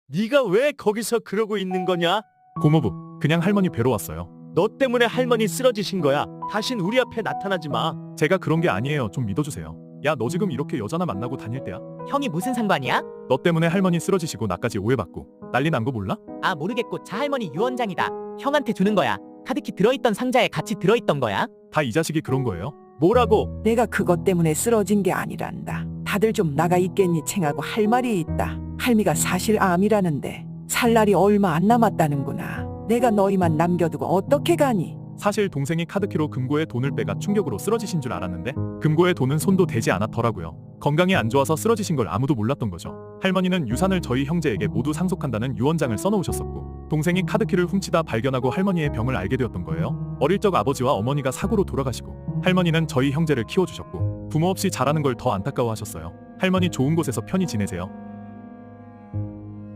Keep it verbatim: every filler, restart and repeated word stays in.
네가 왜 거기서 그러고 있는 거냐? 고모부, 그냥 할머니 뵈러 왔어요. 너 때문에 할머니 쓰러지신 거야. 다신 우리 앞에 나타나지 마. 제가 그런 게 아니에요. 좀 믿어주세요. 야, 너 지금 이렇게 여자나 만나고 다닐 때야? 형이 무슨 상관이야? 너 때문에 할머니 쓰러지시고 나까지 오해받고 난리 난 거 몰라? 아 모르겠고 자 할머니 유언장이다. 형한테 주는 거야. 카드키 들어있던 상자에 같이 들어있던 거야. 다 이 자식이 그런 거예요? 뭐라고? 내가 그것 때문에 쓰러진 게 아니란다. 다들 좀 나가 있겠니 챙하고 할 말이 있다. 할미가 사실 암이라는데 살 날이 얼마 안 남았다는구나. 내가 너희만 남겨두고 어떻게 가니? 사실 동생이 카드키로 금고에 돈을 빼가 충격으로 쓰러지신 줄 알았는데 금고에 돈은 손도 대지 않았더라고요. 건강이 안 좋아서 쓰러지신 걸 아무도 몰랐던 거죠. 할머니는 유산을 저희 형제에게 모두 상속한다는 유언장을 써놓으셨었고 동생이 카드키를 훔치다 발견하고 할머니의 병을 알게 되었던 거예요. 어릴 적 아버지와 어머니가 사고로 돌아가시고 할머니는 저희 형제를 키워주셨고 부모 없이 자라는 걸 더 안타까워하셨어요. 할머니 좋은 곳에서 편히 지내세요.